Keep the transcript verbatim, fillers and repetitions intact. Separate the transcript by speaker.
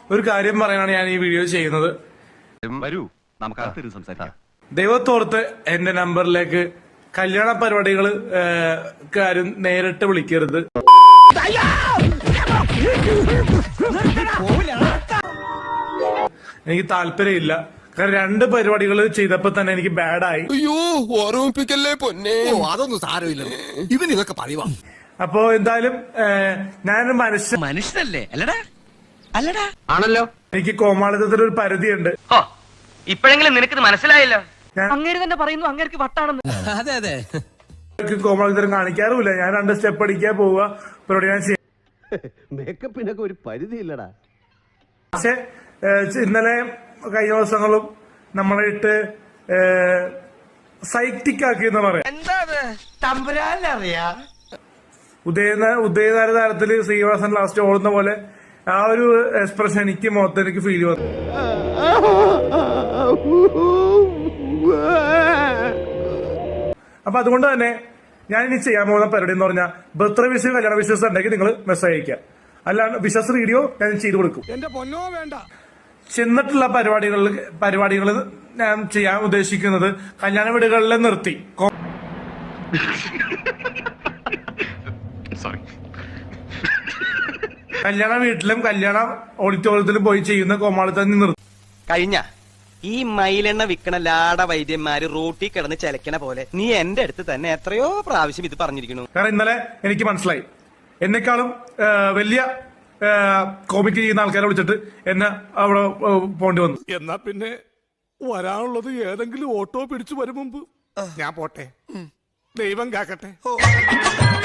Speaker 1: ഒരു കാര്യം പറയാനാണ് ഞാൻ ഈ വീഡിയോ ചെയ്യുന്നത്.
Speaker 2: വരൂ നമുക്ക് സംസാരിക്കാം.
Speaker 1: ദൈവത്തോർത്ത് എന്റെ നമ്പറിലേക്ക് കല്യാണ പരിപാടികൾ കാര്യം നേരിട്ട് വിളിക്കരുത്. എനിക്ക് താല്പര്യമില്ല. കാരണം രണ്ട് പരിപാടികൾ ചെയ്തപ്പോ തന്നെ എനിക്ക് ബാഡായി.
Speaker 3: അയ്യോ ഓർമ്മിപ്പിക്കല്ലേ പൊന്നെ. അതൊന്നും സാരമില്ല, ഇവൻ ഇതൊക്കെ പറയുവാ.
Speaker 1: അപ്പോ എന്തായാലും ഞാനൊരു മനുഷ്യ
Speaker 4: മനുഷ്യനല്ലേ അല്ലടാ അല്ലടാ
Speaker 2: ആണല്ലോ.
Speaker 1: എനിക്ക് കോമാളിത്തത്തിന് ഒരു പരിധിയുണ്ട്.
Speaker 4: ഇപ്പോഴെങ്കിലും നിനക്ക് മനസ്സിലായല്ലോ.
Speaker 5: അങ്ങേര് തന്നെ പറയുന്നു അങ്ങേർക്ക് വട്ടാണെന്ന്.
Speaker 4: അതെ അതെ
Speaker 1: കോമാളിത്തരം കാണിക്കാറുമില്ല. ഞാൻ രണ്ട് സ്റ്റെപ്പ് അടിക്കാൻ പോവുക, പരിപാടി ഞാൻ ചെയ്യാം.
Speaker 6: മേക്കപ്പിനൊക്കെ ഒരു പരിധി ഇല്ലടാ.
Speaker 1: പക്ഷെ ഇന്നലെ കഴിഞ്ഞ ദിവസങ്ങളും നമ്മളെ ഇട്ട് സൈറ്റിക് ആക്കി എന്ന് പറയാം. ഉദയ ഉദയതാര താരത്തില് ശ്രീനിവാസൻ ലാസ്റ്റ് ഓടുന്ന പോലെ ആ ഒരു എക്സ്പ്രഷൻ എനിക്ക് മൊത്തം എനിക്ക് ഫീൽ വന്നു. അപ്പൊ അതുകൊണ്ട് തന്നെ ഞാൻ ഇനി ചെയ്യാൻ പോകുന്ന പരിപാടി എന്ന് പറഞ്ഞാൽ ബർത്ത്ഡേ വിഷയം കല്യാണ വിശ്വാസം ഉണ്ടെങ്കിൽ നിങ്ങൾ മെസ്സേജ് അയക്കുക. അല്ലാണ്ട് വിശ്വാസ വീഡിയോ ഞാൻ ചെയ്തു കൊടുക്കും.
Speaker 3: എന്റെ പൊന്നോ വേണ്ട.
Speaker 1: ചെന്നിട്ടുള്ള പരിപാടികളിൽ പരിപാടികൾ ഞാൻ ചെയ്യാൻ ഉദ്ദേശിക്കുന്നത് കല്യാണ വീടുകളിൽ നിർത്തി കല്യാണ വീട്ടിലും കല്യാണ ഓഡിറ്റോറിയത്തിലും പോയി ചെയ്യുന്ന കോമാളിത്തന്നെ നിർത്തി.
Speaker 4: കഴിഞ്ഞ ഈ മയിലെണ്ണ വിൽക്കണ ലാട വൈദ്യന്മാര് റോട്ടി കിടന്ന് ചലക്കണ പോലെ നീ എന്റെ അടുത്ത് തന്നെ എത്രയോ പ്രാവശ്യം ഇത് പറഞ്ഞിരിക്കുന്നു.
Speaker 1: കാരണം ഇന്നലെ എനിക്ക് മനസ്സിലായി, എന്നെക്കാളും വലിയ കോമിക്ക് ചെയ്യുന്ന ആൾക്കാരെ വിളിച്ചിട്ട് എന്നെ അവിടെ പോണ്ടി വന്നു.
Speaker 3: എന്നാ പിന്നെ വരാനുള്ളത് ഏതെങ്കിലും ഓട്ടോ പിടിച്ചു വരും മുമ്പ് ഞാൻ പോട്ടെ. ദൈവം കാക്കട്ടെ.